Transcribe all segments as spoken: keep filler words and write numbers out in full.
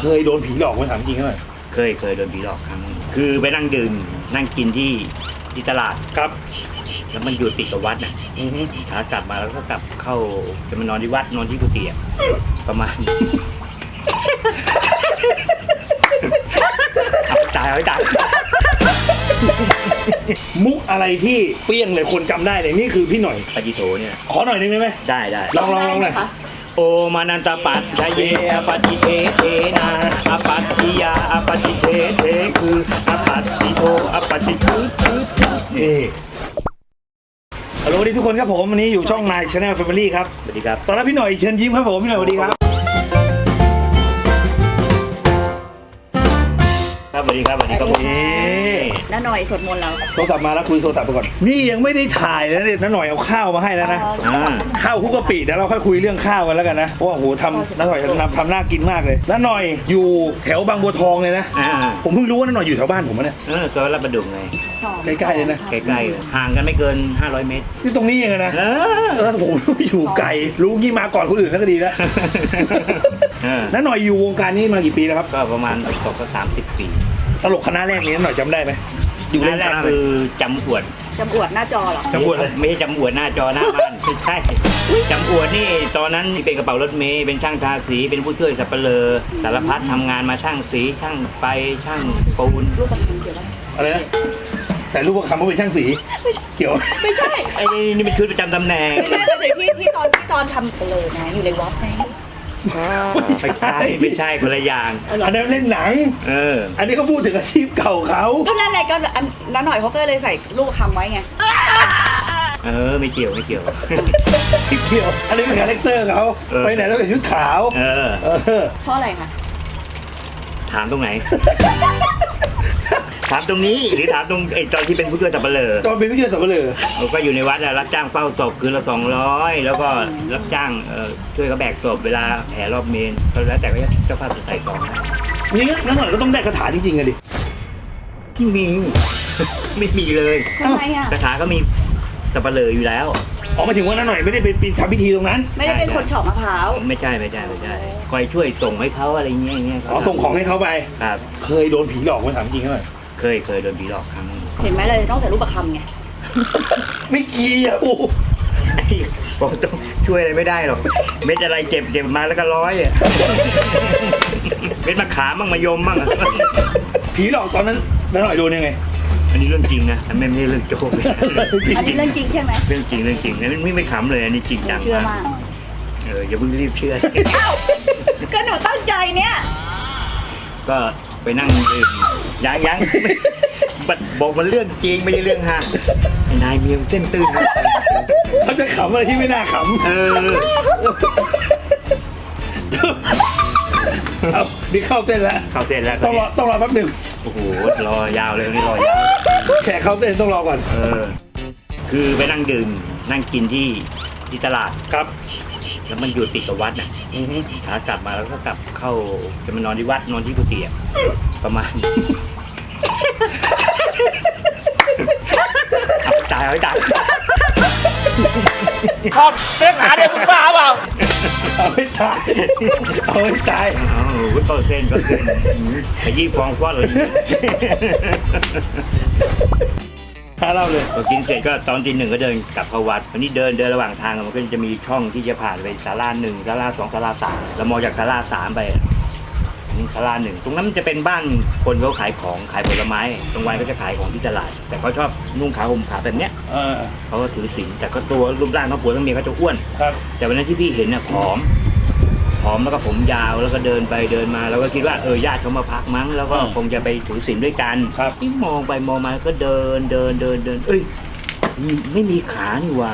เคยโดนผีหลอกไหมถามจริงไหมเคยเคยโดนผีหลอกครั้งคือไปนั่งดื่มนั่งกินที่ที่ตลาดครับแล้วมันอยู่ติดกับวัดน่ะขากลับมาแล้วก็กลับเข้าจะมานอนที่วัดนอนที่กุฏิประมาณตายเอาตายมุกอะไรที่เปี้ยงเลยคนจำได้เลยนี่คือพี่หน่อยปฏิโสเนี่ยขอหน่อยนึงได้ไหมได้ได้ลองลองลองหน่อยโอมานันตปัตชะเยอปฏิเทเทนาอปัตติยาอปฏิเทเทคืออปัตติโทอปฏิคือคือนี่ฮัลโหลดีทุกคนครับผมวันนี้อยู่ช่องนาย Channel Family ครับสวัสดีครับตอนรับพี่หน่อยเชิญยิ้มครับผมพี่หน่อยสวัสดีครับครับสวัสดีครับสวัสดีครับผมน้าหน่อยสวดมนต์แล้วโทรศัพท์มาแล้วคุยโทรศัพท์ไปก่อนนี่ยังไม่ได้ถ่ายนะเนี่ยน้าหน่อยเอาข้าวมาให้แล้วนะข้าวคุกกะปิเดี๋ยวเราค่อยคุยเรื่องข้าวกันแล้วกันนะเพราะว่าโหทำน้าหน่อยทำทำน่ากินมากเลยน้าหน่อยอยู่แถวบางบัวทองเลยนะผมเพิ่งรู้ว่าน้าหน่อยอยู่แถวบ้านผมเนี่ยเออซอยลาดประดุกไงใกล้ๆเลยนะใกล้ๆห่างกันไม่เกินห้าร้อยเมตรนี่ตรงนี้เองนะเออผมอยู่ไกลรู้งี้มาก่อนคนอื่นก็ดีแล้วน้าหน่อยอยู่วงการนี้มากี่ปีแล้วครับก็ประมาณสองสามสิบปีตลกคณะแรกนี้หน่อยจำได้ไหมอยู่แรกคือจำอวดจำอวดหน้าจอเหรอจำอวดไม่ใช่จำอวดหน้าจอหน้าบ้านไม่ใช่จำอวดนี่ตอนนั้นเป็นกระเป๋ารถเมย์เป็นช่างทาสีเป็นผู้ช่วยสับเปลือสารพัดทำงานมาช่างสีช่างไปช่างปูนรูปประคำเกี่ยวกับอะไรนะใส่รูปประคำว่าเป็นช่างสีเกี่ยวไม่ใช่ไอ้นี่เป็นชุดประจำตำแหน่งไม่ใช่เป็นที่ที่ตอนที่ตอนทำเปลือนะอยู่ในวัดไงไม่ใช่ไม่ใช่คนละอย่างอันนั้นเล่นหนังเอออันนี้เขาพูดถึงอาชีพเก่าเขาก็นั่นแหละก็น้าหน่อยเขาก็เลยใส่รูปคำไว้ไงเออไม่เกี่ยวไม่เกี่ยวไม่เกี่ยวอันนี้เป็นคาแรคเตอร์เขาไปไหนแล้วใส่ชุดขาวเออเพราะอะไรคะถามตรงไหนถามตรงนี้หรือถามตรงไอ้ตอนที่เป็นผู้ช่วยสับเปลือตอนเป็นผู้ช่วยสับเปลือเราก็อยู่ในวัดรับจ้างเฝ้าศพคืนละสองร้อยแล้วก็รับจ้างช่วยเขาแบกศพเวลาแห่รอบเมนแล้วแต่ก็เจ้าภาพจะใส่ซองนี่นั่นหน่อยก็ต้องได้คาถาจริงๆอะดิที่มีไม่มีเลยทำไมอะคาถาก็มีสับเปลืออยู่แล้วอ๋อมาถึงว่านั่นหน่อยไม่ได้เป็นทำพิธีตรงนั้นไม่ได้เป็นคนเฉาะมะพร้าวไม่ใช่ไม่ใช่ไม่ใช่คอยช่วยส่งให้เขาอะไรเงี้ยเงี้ยอ๋อส่งของให้เขาไปครับเคยโดนผีหลอกมาถามจริงไหมเคยเคยโดนผีหลอกครั้งเห็นไหมเลยต้องใส่รูปประคำไงไม่เกี่ยวบอกต้องช่วยอะไรไม่ได้หรอกเม็ดอะไรเก็บเก็บมาแล้วก็ร้อยอ่ะเม็ดมะขามบ้างมะยมบ้างผีหลอกตอนนั้นแล้วหน่อยโดนยังไงอันนี้เรื่องจริงนะไม่ไม่เรื่องโจ๊กอันนี้เรื่องจริงใช่ไหมเรื่องจริงเรื่องจริงนะไม่ไม่ขำเลยอันนี้จริงจังมากเอออย่าเพิ่งรีบเชื่อก็หนูตั้งใจเนี่ยก็ไปนั่งดื่มยังยังบอกมันเรื่องจริงไม่ใช่เรื่องฮะนายเมียเส้นตื้นเขาจะขำอะไรที่ไม่น่าขำเออเอาดิเข้าเส้นแล้วเข้าเส้นแล้วต้องรอต้องรอแป๊บหนึ่งโอ้โหรอยาวเลยนี่รอยาวแขกเข้าเส้นต้องรอก่อนเออคือไปนั่งดื่มนั่งกินที่ที่ตลาดครับแล้วมันอยู่ติดกับวัดน่ะขากลับมาแล้วก็กลับเข้าจะมานอนที่วัดนอนที่กุฏิประมาณตายเอาตายชอบเรื่องหาเด็กมึงบ้าเปล่าเอาให้ตายเอาให้ตายอ๋อก็เส้นก็เส้นขยี้ฟองฟอดเลยถ้าเล่าเลยพอกินเสร็จก็ตอนตีหนึ่งก็เดินกลับเข้าวัดวันนี้เดินเดินระหว่างทางมันก็จะมีช่องที่จะผ่านไปศาลาหนึ่งศาลาสองศาลาสามเรามองจากศาลาสามไปศาลาหนึ่งตรงนั้นมันจะเป็นบ้านคนเขาขายของขายผลไม้ตรงวันก็จะขายของที่ตลาดแต่เขาชอบนุ่งขาวห่มขาวแบบเนี้ยเขาก็ถือศีลแต่ก็ตัวรูปร่างทั้งผัวทั้งเมียเขาจะอ้วนแต่วันนั้นที่พี่เห็นน่ะผอมผอมแล้วก็ผมยาวแล้วก็เดินไปเดินมาแล้วก็คิดว่าเออญาติเขามาพักมั้งแล้วก็คงจะไปถือศีลด้วยกันที่มองไปมองมาก็เดินเดินเดินเดินเอ้ยไม่มีขานี่ว่า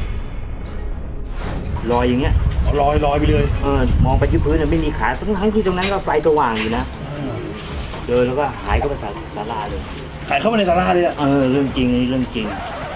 ลอยอย่างเงี้ยลอยลอยไปเลยเออมองไปที่พื้นไม่มีขาทั้งทั้งที่ตรงนั้นก็ไฟสว่างอยู่นะเดินแล้วก็หายเข้าไปศาลาเลยหายเข้ามาในศาลาเลยอ่ะเออเรื่องจริงนี่เรื่องจริง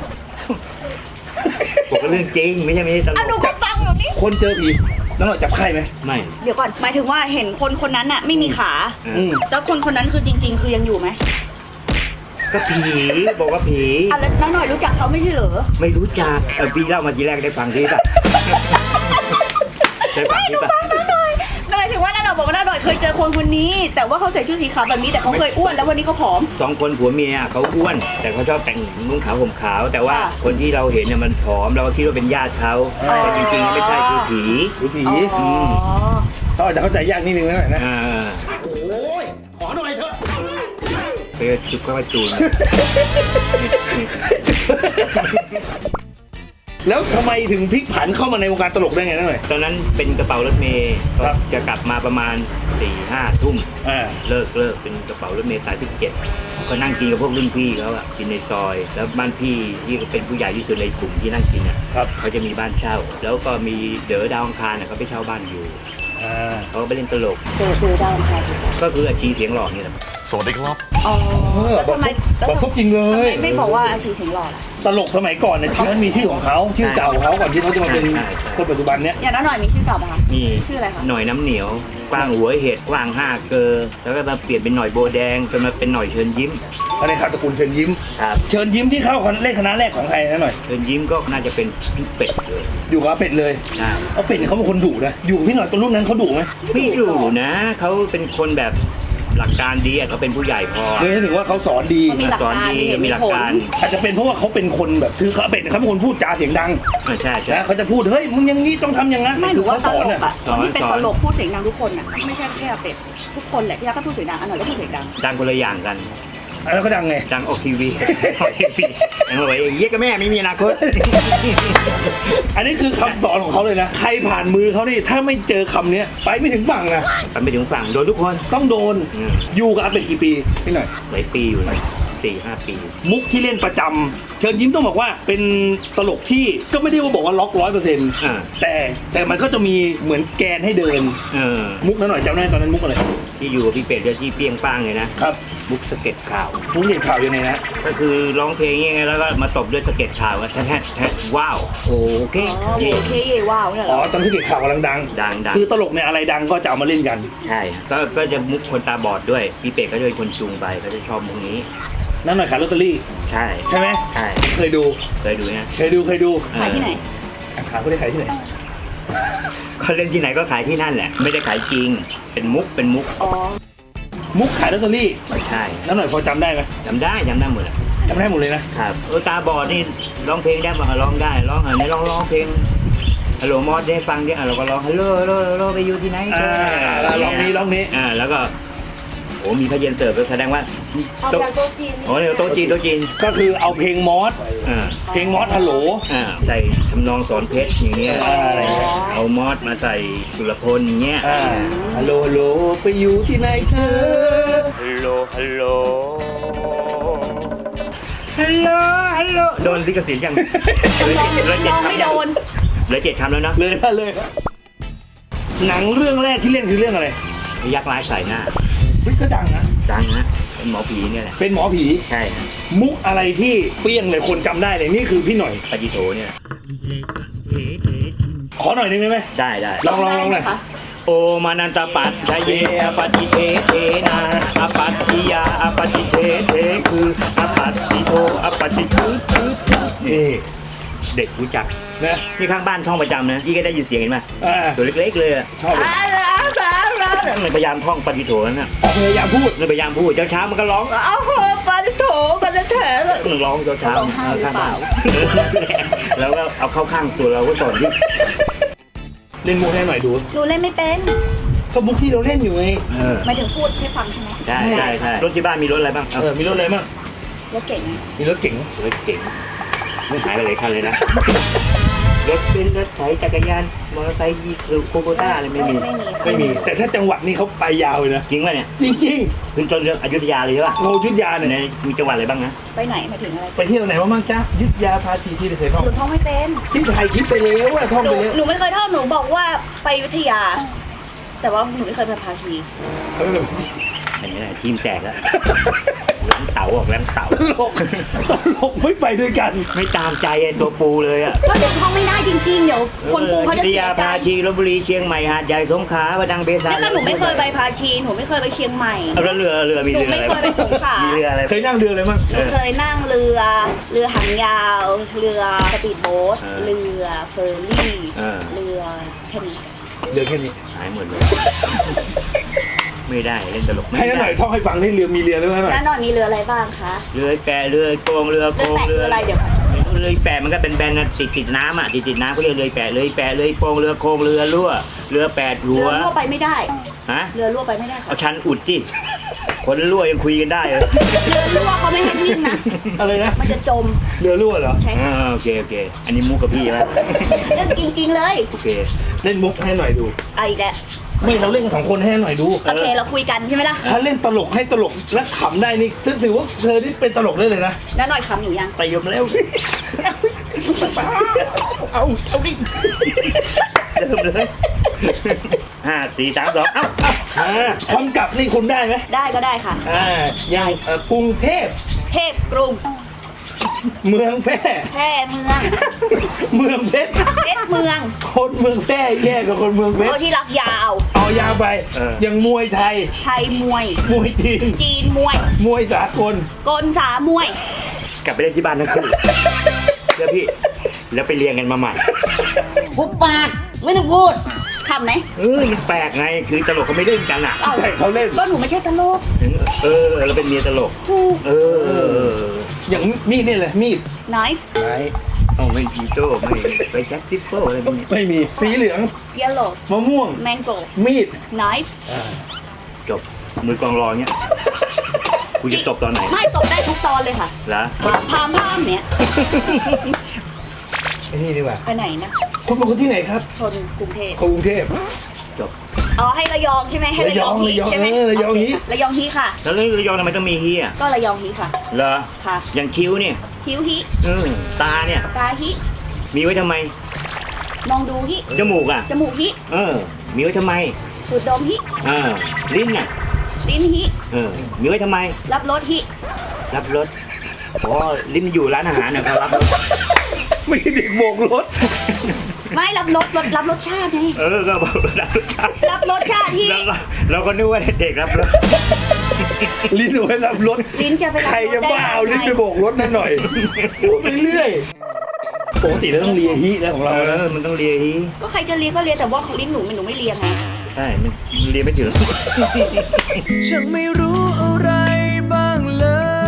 ผมก็เรื่องจริงไม่ใช่ไม่ใช่ตลกหนูก็ฟังหนูนี่คนเจอผีแล้วเราจับไข้ไหมไม่เดี๋ยวก่อนหมายถึงว่าเห็นคนคนนั้นน่ะไม่มีขาเจ้าคนคนนั้นคือจริงๆคือยังอยู่ไหมก็ผีบอกว่าผีอ่ะแล้วน้าหน่อยรู้จักเขาไม่ใช่เหรอไม่รู้จักเออพี่เล่ามาทีแรกได้ฟังที่ป่ะไม่หนูฟังน้าหน่อยหมายถึงว่าน้าหน่อยบอกว่าน้าหน่อยเคยเจอคนคนนี้ แต่ว่าเขาใส่ชุดสีขาวแบบนี้แต่เขาเคยอ้วนแล้ววันนี้เขาผอมสองคนผัวเมียเขาอ้วน แต่เขาชอบแต่งนุ่งขาวห่มขาว แต่ว่าค่ะคนที่เราเห็นเนี่ยมันผอมเราก็คิดว่าเป็นญาติเขาอ๋อแต่จริงๆไม่ใช่คือผีดูผีอ๋อเขาอาจจะเข้าใจยากนิดนึงนะหน่อยนะอ่าโอ้ยขอหน่อยเถอะไปจุกก็มาจูนแล้วทำไมถึงพลิกผันเข้ามาในวงการตลกได้ไงนั่นหน่อยตอนนั้นเป็นกระเป๋ารถเมย์ครับจะกลับมาประมาณสี่ห้าทุ่มอ่าเลิกเลิกเป็นกระเป๋ารถเมย์สายสิบเจ็ดก็นั่งกินกับพวกรุ่นพี่เขาอะกินในซอย แล้วบ้านพี่ที่เป็นผู้ใหญ่ที่สุดในกลุ่มที่นั่งกินอะครับเขาจะมีบ้านเช่า แล้วก็มีเด๋อดาวอังคารอะเขาไปเช่าบ้านอยู่อ่าเขาก็ไปเล่นตลกเจอเจอดาวอังคารก็คืออาชีเสียงหล่อนี่แหละสวัสดีครับอ๋อแล้วทำไมแล้วบอกทำซบจริงเลทำไมยไม่บอกว่าอาชีพเสียงหล่อล่ะตลกสมัยก่อนเนี่ยชื่อนั้นมีชื่อของเขาชื่อเก่าของเขาก่อนที่เขาจะมาเป็นคนปัจจุบันเนี้ยอย่างน้าหน่อยมีชื่อเก่าปะคะมีชื่ออะไรคะหน่อยน้ำเหนียวกว้างหัวเห็ดกว้างห้าเกอแล้วก็มาเปลี่ยนเป็นหน่อยโบแดงจนมาเป็นหน่อยเชิญยิ้มภายในข่าวตระกูลเชิญยิ้มครับเชิญยิ้มที่เข้าเล่นคณะแรกของใครนั่นหน่อยเชิญยิ้มก็น่าจะเป็นพี่เป็ดเลยอยู่กับอาเป็ดเลยใช่เอาเป็ดเนี่ยเขาเป็นคนดุนะอยู่กับพี่หน่อยตอนรุ่นนั้นเขาดุไหมไม่ดูนะเขาเป็นคนแบบหลักการดีอะเขาเป็นผู้ใหญ่พอเลยถึงว่าเขาสอนดีเขามีหลักสอนการดีมีเหตุมีมีหลักผลการอาจจะเป็นเพราะว่าเขาเป็นคนแบบคือเขาเป็ดเนี่ยเขาเป็นคนพูดจาเสียงดังอ่าใช่ใช่นะเขาจะพูดเฮ้ยมึงอยังนี้ต้องทำอย่างนั้นไม่หรือว่าเขาตสอนลอ่ะกอะสคอนนที่เป็นสอนตลกพูดเสียงดังทุกคนอะไม่ใช่แค่เป็ดทุกคนแหละที่รักก็พูดเสียงดังอันหน่อยก็พูดเสียงดังดังคนละอย่างกันแล้วเขาดังไงดังออกทีวี ออกทีวียังบอกว่าเยี่ยกับแม่ไม่มีอนาคตอันนี้คือคำสอนของเขาเลยนะใครผ่านมือเขานี่ถ้าไม่เจอคำเนี้ยไปไม่ถึงฝั่งนะไปไปถึงฝั่งโดนทุกคนต้องโดนอืมอยู่กับอาเป็ดกี่ปีพี่หน่อยหลายปีอยู่นะสี่ห้าปีมุกที่เล่นประจำเชิญยิ้มต้องบอกว่าเป็นตลกที่ก็ไม่ได้ว่าบอกว่าล็อกร้อยเปอร์เซ็นต์อ่าแต่แต่มันก็จะมีเหมือนแกนให้เดินเออมุกนั้นหน่อยจำได้ตอนนั้นมุกอะไรที่อยู่กับพี่เป็ดจะที่เปรี้ยงป้างเลยนะครับ มุกสะเก็ตข่าวมุกเห็นข่าวยังไงนะก็คือร้องเพลงยังไงแล้วก็มาตบด้วยสะเก็ตข่าวแท้แท้แท้ว้าวโอเคอ๋อเย่โอเคเย่ว้าวเนี่ยเหรอ๋ออตอนที่เกิดข่าวกำลังดังดังดังคือตลกเนี่ยอะไรดังก็จะเอามาเล่นกันใช่ก็ก็จะมุกคนตาบอดด้วยพี่เป็ดก็จะเป็นคนจูงไปก็จะชอบมุกนี้นั่นหน่อยขายลอตเตอรี่ใช่ใช่ไหมใช่เคยดูเคยดูนะเคยดูเคยดูขายที่ไหนขายเขาได้ขายที่ไหนเขาเล่นที่ไหนก็ขายที่นั่นแหละ ไม่ได้ขายจริง เป็นมุกเป็นมุกอ๋อมุกขายลอตเตอรี่ใช่นั่นหน่อยพอจำได้ไหมจำได้จำได้หมดแหละจำได้หมดเลยนะครับเออตาบอดนี่ร้องเพลงได้ป่ะร้องได้ร้องอ่ะไหนร้องร้องเพลงฮัลโหลมอสได้ฟังดิอ่ะเราก็ร้องฮัลโหลฮัลโหลฮัลโหลไปอยู่ที่ไหนอ่าแล้วลองนี้ลองนี้อ่าแล้วก็โอ้มีพระเย็นเสิร์ฟแสดงว่าเอาโต๊ะจากโต๊ะจีนโอ้เนี่ยโต๊ะจีนโต๊ะจีนก็คือเอาเพลงมอสอ่าเพลงมอสฮัลโหลอ่าใส่ทำนองสอนเพชรอย่างเงี้ยอ่าอะไรเงี้ยเอามอสมาใส่สุรพลอย่างเงี้ยอ่าฮัลโหลฮัลโหลไปอยู่ที่ไหนเธอฮัลโหลฮัลโหลฮัลโหลฮัลโหลโดนลิขสิทธิ์ยังลองเหลือเจ็ลดองคำไม่ยัโดงนเหลือเจ็ดคำแล้วนะเลยนะเลยนะหนังเรื่องแรกที่เล่นคือเรื่องอะไรยักษ์ร้ายใส่หน้าเฮ้ยก็ดังนะดังนะเป็นหมอผีเนี่ยแหละเป็นหมอผีใช่นะมุกอะไรที่เปรี้ยงเลยคนจำได้เลยนี่คือพี่หน่อยปาจิโตเนี่ยแหละขอหน่อยหนึงได้ไหมได้ได้ลองลองลองหน่อยได้ไหมคะโอมานันตปัตชะเยอปฏิเทเทนาอปัตติยาอปฏิเทเทคืออปัตติโทอปฏิคือคือนี่เด็กรู้จักนะนี่ข้างบ้านท่องประจำนะที่ก็ได้ยินเสียงเห็นไหมอ่าตัวเล็กๆเลยอะชอบเลยมันพยายามท่องปฏิโทนั่นน่ะพยายามพูดมันพยายามพูดเช้าๆมันก็ร้องเอาโหปาดิโถปาดิเถอะมันร้องเช้าร้องไห้ๆหรือข้างเปบ้าล่านแล้วก็เอาเข้าข้างตัวเราก็สอนที่เล่นมุกให้หน่อยดูหนูเล่นไม่เป็นก็มุกที่เราเล่นอยู่ไงเออหมายถึงพูดให้ฟังใช่ไหมใช่ใช่ใช่รถที่บ้านมีรถอะไรบ้างเออมีรถอะไรบ้างรถเก่งไหมมีรถเก๋งรถเก่งไม่หายไปเลยคันเลยนะ รถเป็นรถไถจักรยานมอเตอร์ไซค์ยีคือโคโบต้าอะไรไม่มีไม่มี แต่ถ้าจังหวัดนี้เขาไปยาวเลยนะจริงป่ะเนี่ยจริงขึ้นต้นเรื่องอยุธยาเลยใช่ป่ะๆโงยุทธยาเนี่ยในมีจังหวัดอะไรบ้างนะไปไหนหมายถึงอะไรไปเที่ยวไหนมาบ้างจ๊ะยุทธยาพาทีที่เคยท่องหนูท่องไม่เป็นที่ถ่ายคลิปไปแล้วอะท่องหนูไปแล้วหนูไม่เคยท่องหนูบอกว่าไปอยุธยา แต่ว่าหนูไม่เคยไปพาชีเออเห็นไหมล่ะทีมแตกแล้วแรงเต๋าออกแรงเต๋าตลกตลกไม่ไปด้วยกันไม่ตามใจไอ้ตัวปูเลยอ่ะก็หนูท่องไม่ได้จริงๆ เดี๋ยวคนปูเขาจะอยุธเสียายใจพาชีลบบุรีเชียงใหม่หาดใหญ่สงขลาประดังเบซาแล้วก็หนูไม่เคยไปพาชีหนูไม่เคยไปเชียงใหม่เอาแล้วเรือเรือมีเรืออะไรหนูไม่เคยไปสงขลามีมีเรืออะไรเคยนั่งเรืออะไรบ้างหนูเคยนั่งเรือ เรือหางยาว เรือสปีดโบ๊ทเออเรือเฟอร์รี่เออเรือแค่นี้เเรือแค่นี้หายหมดเลย ไม่ได้เล่นตลกไม่ให้น้าหน่ได้อยท่องให้ฟังที่เรือมีเรือด้วยไหมแล้วนอนมีเรืออะไรบ้างคะเรือแปะเรือโกงเรือโกเรือง แปะคืออะไรเดี๋ยวก่อนเรือแปะมันก็เป็นแบนๆนะติดติดน้ำอ่ะติดติดน้ำเขาเรียกเรือแปะเรือแปะเรือโกงเรือโกงเรือรั่วเรือแปดหัเรือวรั่วไปไม่ได้ฮะเรือรั่วไปไม่ได้ค่ะเอาชันอุดจิคนรั่วยังคุยกันได้เลยเรือรั่วเขาไม่ให้วิ่งนะอะไรนะมันจะจมเรือรั่วเหรอใช่อ่าโอเคโอเค อันนี้มุกกับพี่แล้วเรื่องจริง ๆ เลยโอเคเล่นมุกให้หน่อยดูเอาอีกแล้วไม่เราเล่นกันสองคนให้หน่อยดูโอเคเราคุยกันใช่ไหมล่ะถ้าเล่นตลกให้ตลกและขำได้นี่ถือว่าเธอนี่เป็นตลกได้เลยนะแล้วหน่อยคำอยู่ยังไปยมแล้วเอาเอาดิเริ่มเลยห้าสี่สามสองเอ้าอ่าคำกลับนี่คุณได้ไหมได้ก็ได้ค่ะอ่าอย่างเอ่อกรุงเทพเทพกรุงเมืองแพร่แพร่เมืองเมืองเพชรเพชรเมืองคนเมืองแพร่แย่กว่าคนเมืองเพชโอ้รที่รักยาวเอายาวไปอย่างมวยไทยไทยมวยมวยจีนจีนมวยมวยสากลกลสามวยกลับไปเล่นที่บ้านทั้งคู่เดี๋ยวพี่ แล้วไปเรียงกันมาใหม่หุบปากไม่ต้องพูดคำไหนเออมันแปลกไง คือตลกเขาไม่เล่นกันอ่ะเอาใช่เขาเล่นก็หนูไม่ใช่ตลกเออ เราเป็นเมียตลกถูกเออเออเอออย่างมีดนี่แหละมีด nice ไหนต้องไม่จีโจ้ไม่ไปแจ็คทิปโป้อะไรพวกนี้ไม่มีสีเหลือง yellow มะม่วง mango มีด nice จบ มือกองรอเนี้ยกูจะตบตอนไหนไม่ตกได้ทุกตอนเลยค่ะละพามพามพามเนี่ยไอ้นี่ดีกว่าไปไหนนะคุณเป็นคนที่ไหนครับคนกรุงเทพกรุงเทพจบอ๋อให้ระยองใช่ไหมให้ระยองฮีระยองใช่ไหมเออระยองฮีโเคค่ะระยองฮีค่ะแล้วเรื่องระยองทำไมต้องมีเฮียก็ระยองฮีค่ะเหรอค่ะอย่างคิ้วเนี่ยคิ้วฮีเออตาเนี่ยตาฮีมีไว้ทำไมมองดูฮีจมูกอ่ะจมูกฮีเออ มีไว้ทำไมสูดดมฮีเออ ลิ้นอ่ะลิ้นฮีเออ มีไว้ทำไมรับรสฮีรับรสอ๋อลิ้นอยู่ร้านอาหารเนี่ยเขารับรสไม่ใช่เด็กโบกรถไม่รับรสรสรับรสชาติไงเออ ก็บอกรับรสชาติรับรสชาติฮีเราก็เราก็นึกว่าเด็กรับรสลิ้นเอาไว้รับรถลิ้นจะไปรับใครรสจะได้บ้าเอาลิ้นยังไปไงโบกรถนั่นหน่อยพูดไปเรื่อยปกติเราต้องเลียฮิแล้วของเราเอนะอมันต้องเลียฮีก็ใครจะเลียก็เลียแต่ว่าของลิ้นหนูมันหนูไม่เลียไงใช่มันเลียไม่ถึงฉันไม่รู้อะไรบ้างเลย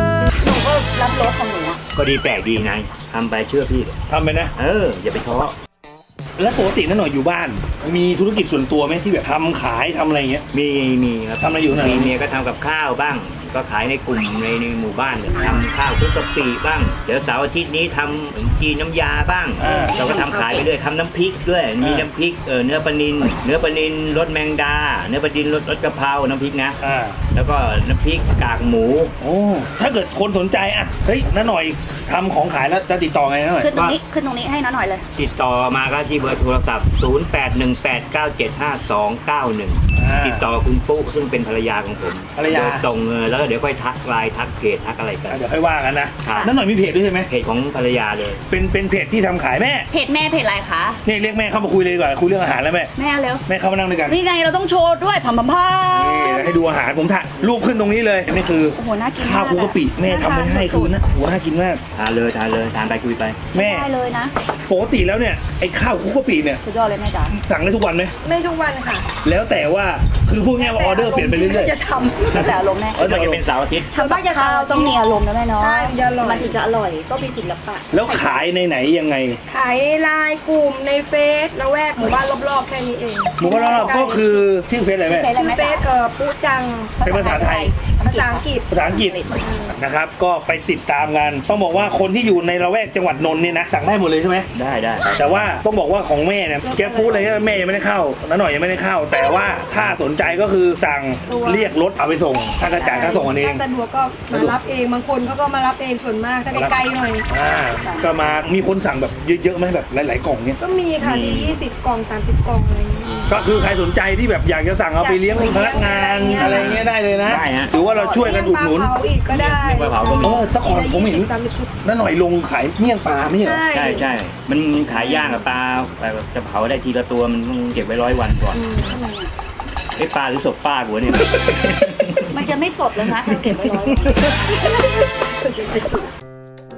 หนูก็รับรสของหนูอะก็ดีแปลกดีนายทำไปเชื่อพี่เลยทำไปนะเออ อย่าไปท้อแล้วปกตินั่นหน่อยอยู่บ้าน มีธุรกิจส่วนตัวไหมที่แบบทำขายทำอะไรอย่างเงี้ยมีมีครับทำอะไรอยู่น่ะมีเมียก็ทำกับข้าวบ้าง ก็ขายในกลุ่มในในหมู่บ้านเนี่ยทำข้าวคลุกกะปิบ้าง เดี๋ยวเสาร์อาทิตย์นี้ทำขนมจีนน้ำยาบ้างอ่าเราก็ทำขายไปเรื่อยทำน้ำพริกด้วย มีอ่าน้ำพริกเออเนื้อปลานิลเนื้อปลานิลรสแมงดา เนื้อปลานิลรสรสกะเพราน้ำพริกนะอ่าแล้วก็น้ำพริกกากหมูโอ้ถ้าเกิดคนสนใจอ่ะเฮ้ยน้าหน่อยทำของขายแล้วจะติดต่อไงน้าหน่อยขึ้นตรงนี้ขึ้นตรงนี้ให้น้าหน่อยเลยติดต่อมาก็ที่เบอร์โทรศัพท์ ศูนย์ แปด หนึ่ง แปด เก้า เจ็ด ห้า สอง เก้า หนึ่งอ่าติดต่อคุณปุ๊ซึ่งเป็นภรรยาของผมภรรยาโดตรงเออแล้วก็เดี๋ยวค่อยทักไลน์ทักเพจทักอะไรกันอ่ะเดี๋ยวค่อยว่ากันนะครับ น้าหน่อยมีเพจด้วยใช่ไหมเพจของภรรยาเลยเป็นเป็นเพจที่ทำขายแม่เพจแม่เพจอะไรคะนี่เรียกแม่เข้ามาคุยเลยดีกว่าคุยเรื่องอาหารแล้วแม่แม่เร็วแม่เข้ามานั่งด้วยกันนี่ไงเราต้องโชว์ด้วยพัมพัมพัมนี่ให้ดูอาหารผมถ่ายรูปขึ้นตรงนี้เลยนี่คือโอ้โหน่ากินข้าวคลุกกะปิแม่ทำไว้ให้คือนะโหน่ากินมากทานเลยทานเลยทานไปคุยไปแม่ได้เลยนะปกติแล้วเนี่ยไอ้ข้าวคลุกกะปิเนี่ยสุดยอดเลยแม่จ๋าสั่งได้ทุกวันไหมไม่ทุกวันค่ะแล้วแต่ว่าคือพูดง่ายว่าออเดอร์เปลี่ยนไปเรื่อยจะทแล้วแต่อารมณ์แม่เออก็จะเป็นเสาร์อาทิตย์ำส่วนมากจะข้าวต้องมีอารมณ์นะแม่เนาะใช่มันจะอร่อยมันถึงจะอร่อยก็มีศิลปะๆแล้วขายในไหนยังไงขายในไลน์กลุ่มในเฟซละแวกหมู่บ้านรอบๆแค่นี้เองหมูกระทะก็คือชื่อเฟซอะไรแม่เฟซอะไรชื่อแม่เฟจ๋าซเอ่อปูจังเป็นภาษาไทยภาษาอังกฤษภาษาอังกฤษนะครับก็ไปติดตามกันต้องบอกว่าคนที่อยู่ในละแวกจังหวัดนนท์เนี่ยนะสั่งได้หมดเลยใช่ไหมได้ได้แต่ว่าต้องบอกว่าของแม่เนี่ยแกปฟู้ดอะไรเนี่ยแม่ยังไม่ได้เข้าน้าหน่อยยังไม่ได้เข้า แต่ว่าถ้าสนใจก็คือสั่งเรียกรถเอาไปส่งถ้ากระจ่ายค่าส่งกันเองถ้าสะดวกก็มารับเองบางคนเขาก็มารับเองส่วนมากถ้าไกลๆหน่อยอ่าก็มามีคนสั่งแบบเยอะๆไหมแบบหลายๆกล่องเนี่ยก็มีค่ะที่ยี่สิบกล่องสามสิบกล่องอะไรอย่างเงี้ยก็คือใครสนใจที่แบบอยากจะสั่งเอาไปเลี้ยงพนักงานอะไรเงี้ยได้เลยนะได้ฮะถือว่าเราช่วยกันอุดหนุนเลี้ยงปลาเผาอีกก็ได้เลี้ยงปลาเผาก็มีเออแตะก่อนผมเห็นยี่สิบสามสิบชุดน้าหน่อยลงขายเมี่ยงปลาไม่ใช่เหรอใช่ใช่ใช่มันขายย่างกับปลาจะเผาได้ทีละตัวมันต้องเก็บไว้ร้อยวันก่อนอืมทำไมอะไอ้ปลาหรือศพป้ากูวะเนี่ยมันจะไม่สดเลยนะถ้าเก็บไว้ร้อยวัน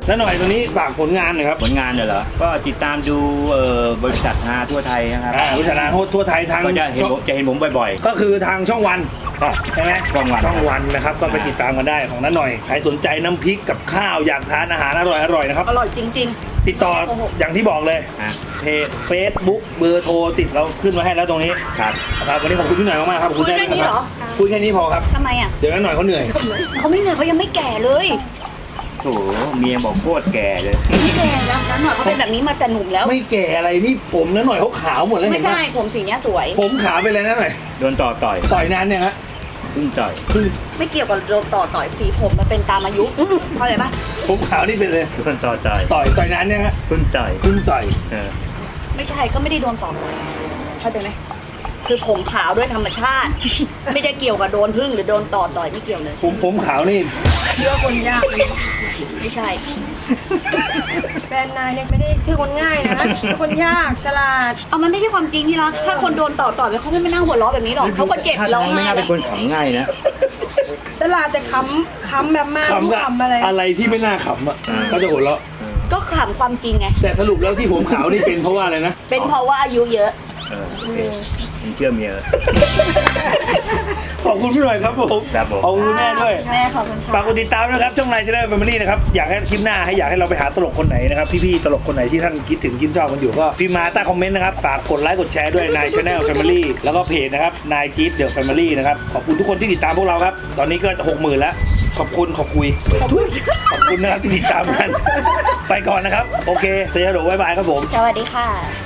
น้าหน่อยตรงนี้ฝากผลงานหน่อยครับผลงานเนี่ยเหรอ ก็ติดตามดูเอ่อบริษัทฮาทั่วไทยนะครับอ่าวิชานาโทษทั่วไทยทางก็จะเห็นผมจะเห็นผมบ่อยก็คือทางช่องวันใช่ไหมช่องวันช่องวันนะครับก็ไปติดตามกันได้ของน้าหน่อยใครสนใจน้ำพริกกับข้าวอยากทานอาหารอร่อยอร่อยนะครับอร่อยจริงติดต่ออย่างที่บอกเลยๆอ่ะเพจเฟซบุ๊กเบอร์โทรติดเราขึ้นมาให้แล้วตรงนี้ครับนะครับวันนี้ขอบคุณพี่หน่อยมากๆครับขอบคุณคุยแค่นี้เหรอคุยแค่นี้พอครับๆทำไมอ่ะเดี๋ยวน้าหน่อยเขาเหนื่อยเขาไม่เหนื่อยเขายังไม่แก่เลยโถเมียบอกโคตรแก่เลยไม่แก่แล้วนั้นหน่อยเขาเป็นแบบนี้มาแต่หนุ่มแล้วไม่แก่อะไรนี่ผมน้าหน่อยเขาขาวหมดแล้วไม่เห็นไหมใช่ผมสีเนี้ยสวยผมขาวไปเลยนะหน่อยโดนต่อต่อยต่อยนานเนี่ยฮะพึ่งต่อยไม่เกี่ยวกับโดนต่อต่อยสีผมมันเป็นตามอายุเข้าใจปะผมขาวนี่เป็นเลยโดนต่อต่อยต่อยต่อยนานเนี่ยฮะพึ่งต่อยเพิ่งต่อยเออไม่ใช่ก็ไม่ได้โดนต่อต่อยเข้าใจไหมคือผมขาวด้วยธรรมชาติ ไม่ได้เกี่ยวกับโดนพึ่งหรือโดนต่อต่อยไม่เกี่ยวเลยผมผมขาวนี่เชื่อคนยากไม่ใช่แฟนนายเนี่ยไม่ได้ชื่อคนง่ายนะเป็นคนยากฉลาดเอามันไม่ใช่ความจริงที่รักถ้าคนโดนต่อต่อยเขาไม่มานั่งหัวเราะแบบนี้หรอกเขาก็เจ็บถ้าร้องทางไม่ไห้น่าแล้เป็วนคนขำง่ายนะฉลาดแต่คำคำแบบมากขำกับคำอะไรอะไรที่ไม่น่าขำอ่ะอ่าเขาจะหัวเราะก็ขำความจริงไงแต่สรุปแล้วที่ผมขาวนี่เป็นเพราะว่าอะไรนะเป็นเพราะว่าอายุเยอะเออโอเคมึงเชื่อเมียขอบคุณพี่หน่อยครับผมครับผมขอบคุณแม่ด้วยแม่ขอบคุณค่ะฝากกดติดตามนะครับช่องนายชาแนลแฟมิลี่นะครับอยากให้คลิปหน้าให้อยากให้เราไปหาตลกคนไหนนะครับพี่ๆตลกคนไหนที่ท่านคิดถึงคิดชอบกันอยู่ก็พิมพ์มาใต้คอมเมนต์นะครับฝากกดไลค์กดแชร์ด้วยนายชาแนลแฟมิลี่แล้วก็เพจนะครับนายจี๊ดเดอะแฟมิลี่นะครับขอบคุณทุกคนที่ติดตามพวกเราครับตอนนี้ก็หกหมื่นแล้วขอบคุณขอบคุยขอบคุณขอบคุณนะครับที่ติดตามกัน ไปก่อนนะครับโอเคเสียโดบ๊ายบายครับผมสวัสดีค่ะ